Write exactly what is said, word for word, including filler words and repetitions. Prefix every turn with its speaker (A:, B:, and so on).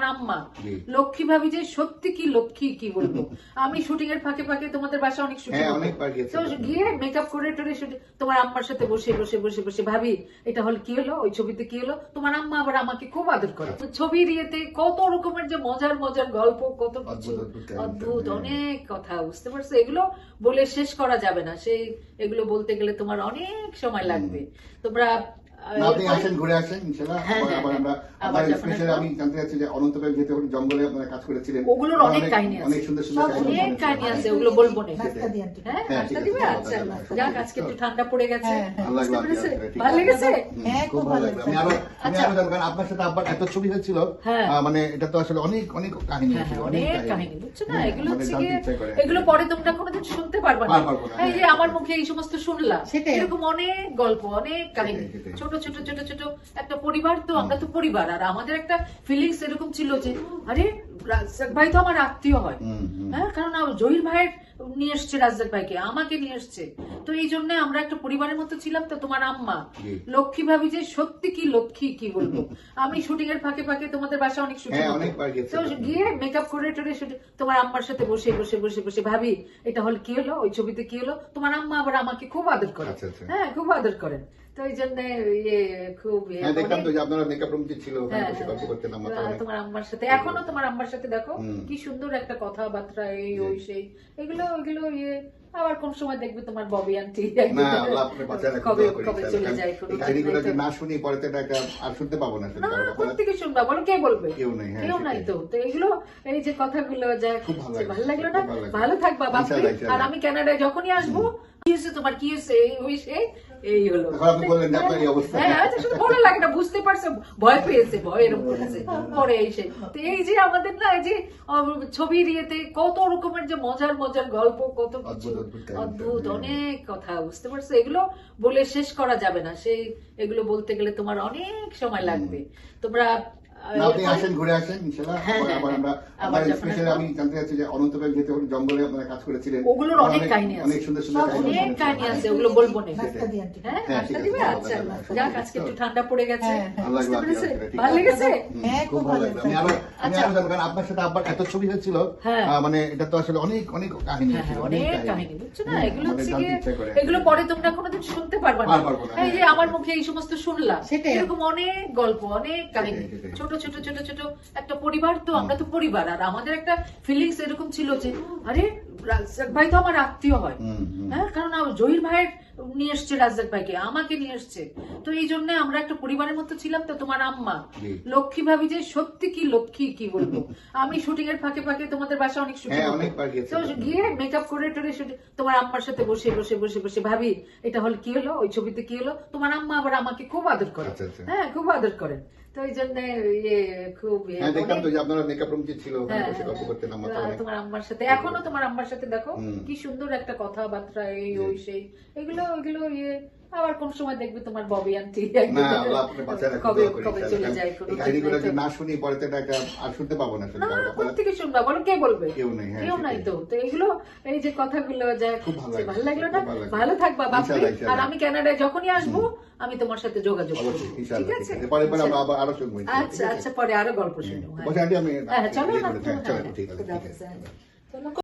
A: আম্মা লক্ষ্মী ভাবি যে সত্যি কি লক্ষ্মী কি বলবো। আমি শুটিং এর ফাঁকে ফাঁকে তোমাদের বাসা অনেক শুটিং গিয়ে মেকআপ করে টোরে তোমার আম্মার সাথে বসে বসে বসে বসে ভাবি এটা হল কি হলো, ওই ছবিতে কি হলো, তোমার আম্মা আবার আমাকে খুব আদর করে। ছবির ইয়েতে কত রকমের যে মজার মজার গল্প, কত কিছু অদ্ভুত অনেক কথা, বুঝতে পারছো? এগুলো বলে শেষ করা যাবে না। সেই এগুলো বলতে গেলে তোমার অনেক সময় লাগবে। তোমরা
B: আপনি আসেন, ঘুরে আসেন ইনশাআল্লাহ। আবার আমরা আবার স্পেশালি আমি জানতে চাচ্ছি যে অনন্তবেগ যেতে জঙ্গলে আপনারা কাজ করেছিলেন,
A: ওগুলোর অনেক কাহিনী আছে,
B: অনেক সুন্দর সুন্দর
A: অনেক কাহিনী আছে, ওগুলো বলবো না। হ্যাঁ, নাস্তা দিবে? আচ্ছা, যাক আজকে একটু ঠান্ডা পড়ে গেছে, ভালো লেগেছে।
B: হ্যাঁ, খুব ভালো লাগছে। আমি আরো আমি আরো জানবেন আপনার সাথে আব্বার এত ছবি হয়েছিল, মানে এটা তো আসলে অনেক অনেক কাহিনী আছে,
A: অনেক কাহিনী, বুঝছো না? এগুলো হচ্ছে এগুলো পরে তোমরা কোনোদিন শুনতে পারবে না। এই যে আমার মুখে এই সমস্ত শুনলা, এরকম অনেক গল্প, অনেক কাহিনী, ছোট ছোট ছোট ছোট একটা পরিবার, তো আমরা তো পরিবার, আর আমাদের একটা ফিলিংস এরকম ছিল যে আরে রাজ্জাক ভাই তো আমার আত্মীয় হয়। হ্যাঁ, কারণ জহির ভাইয়ের নিয়ে এসছে রাজ্জাক ভাইকে, আমাকে নিয়ে এসছে, তো এই জন্য আমরা একটা পরিবারের মতো ছিলাম। তো তোমার আম্মা লক্ষ্মী ভাবি যে সত্যি কি লক্ষ্মী কি বলবো। আমি শুটিং এর ফাঁকে ফাঁকে তোমাদের বাসা অনেক শুটিং তো গিয়ে মেকআপ করে টোরে তোমার আম্মার সাথে বসে বসে বসে বসে ভাবি এটা হল কি হলো, ওই ছবিতে কি হলো, তোমার আম্মা আবার আমাকে খুব আদর করে। হ্যাঁ, খুব আদর করেন। তো এই জন্য খুব তোমার আম্মার সাথে এখনো তোমার আম্মার সাথে দেখো কি সুন্দর একটা কথাবার্তা, এই ওই সেই এগুলো ওইগুলো ইয়ে। আবার কোন সময় দেখবে তোমার ববি আন্টি কবে কবে চলে যায়,
B: না শুনি পরে আর শুনতে পাবো না।
A: প্রত্যেকে শুনবা, বলো কে বলবে? কেউ নাই, কেউ নাই। তো তো এগুলো এই যে কথাগুলো যা ভালো লাগলো না? ভালো থাকবা বাপি। আর আমি কানাডায় যখনই আসবো, কি হয়েছে তোমার, কি হয়েছে, ওই সেই এই হলো। হ্যাঁ, ভালো লাগে না, বুঝতে পারছো? ভয় পেয়েছে, ভয় এরকম করেছে পরে এই সেই। তো এই যে আমাদের না এই যে ছবির ইয়েতে কত রকমের যে মজার মজার গল্প, কত কিছু অদ্ভুত অনেক কথা, বুঝতে পারছো? এগুলো বলে শেষ করা যাবে না। সেই এগুলো বলতে গেলে তোমার অনেক সময় লাগবে। তোমরা
B: আপনি আসেন, ঘুরে আসেন ইনশাআল্লাহ। আবার আমরা আবার স্পেশালি আমি জানতে চাচ্ছি যে অনন্তবেগ যেতে জঙ্গলে আপনারা কাজ করেছিলেন,
A: ওগুলোর অনেক কাহিনী আছে,
B: অনেক সুন্দর সুন্দর
A: অনেক কাহিনী আছে, ওগুলো বলবো না। হ্যাঁ, নাস্তা দিবে? আচ্ছা, যাক আজকে একটু ঠান্ডা পড়ে গেছে, ভালো লেগেছে।
B: হ্যাঁ, খুব ভালো লাগছে। আমি আরো আমি আরো জানবেন আপনার সাথে আব্বার এত ছবি হয়েছিল, মানে এটা তো আসলে অনেক অনেক কাহিনী আছে,
A: অনেক কাহিনী, বুঝছো না? এগুলো হচ্ছে এগুলো পরে তোমরা কোনোদিন শুনতে পারবে না। এই যে আমার মুখে এই সমস্ত শুনলা, এরকম অনেক গল্প, অনেক কাহিনী, ছোট ছোট ছোট ছোট একটা পরিবার, তো আমরা তো পরিবার, আর আমাদের একটা ফিলিংস এরকম ছিল যে আরে রাজ্জাক ভাই তো আমার আত্মীয় হয়। হ্যাঁ, কারণ জহির ভাইয়ের নিয়ে এসছে রাজ্জাক ভাইকে, আমাকে নিয়ে এসছে, তো এই জন্য আমরা একটা পরিবারের মতো ছিলাম। তো তোমার আম্মা লক্ষ্মী ভাবি যে সত্যি কি লক্ষ্মী কি বলবো। আমি শুটিং এর ফাঁকে ফাঁকে তোমাদের বাসা অনেক শুটিং তো গিয়ে মেকআপ করে টোরে তোমার আম্মার সাথে বসে বসে বসে বসে ভাবি এটা হল কি হলো, ওই ছবিতে কি হলো, তোমার আম্মা আবার আমাকে খুব আদর করে। হ্যাঁ, খুব আদর করেন। তো এই জন্য খুব তোমার আম্মার সাথে এখনো তোমার আম্মার সাথে দেখো কি সুন্দর একটা কথাবার্তা, এই ওই সেই এগুলো ওইগুলো ইয়ে। আবার কোন সময় দেখবে তোমার ববি আন্টি কবে কবে চলে যায়,
B: না শুনি পরে আর শুনতে পাবো না।
A: প্রত্যেকে শুনবা, বলো কে বলবে? কেউ নাই, কেউ নাই। তো তো এগুলো এই যে কথাগুলো যা ভালো লাগলো না? ভালো থাকবা বাপি। আর আমি কানাডায় যখনই আসবো, আমি তোমার সাথে যোগাযোগ করবো, ঠিক আছে? আচ্ছা আচ্ছা, পরে আরো গল্প শুনবো। হ্যাঁ, চলো না, চলো।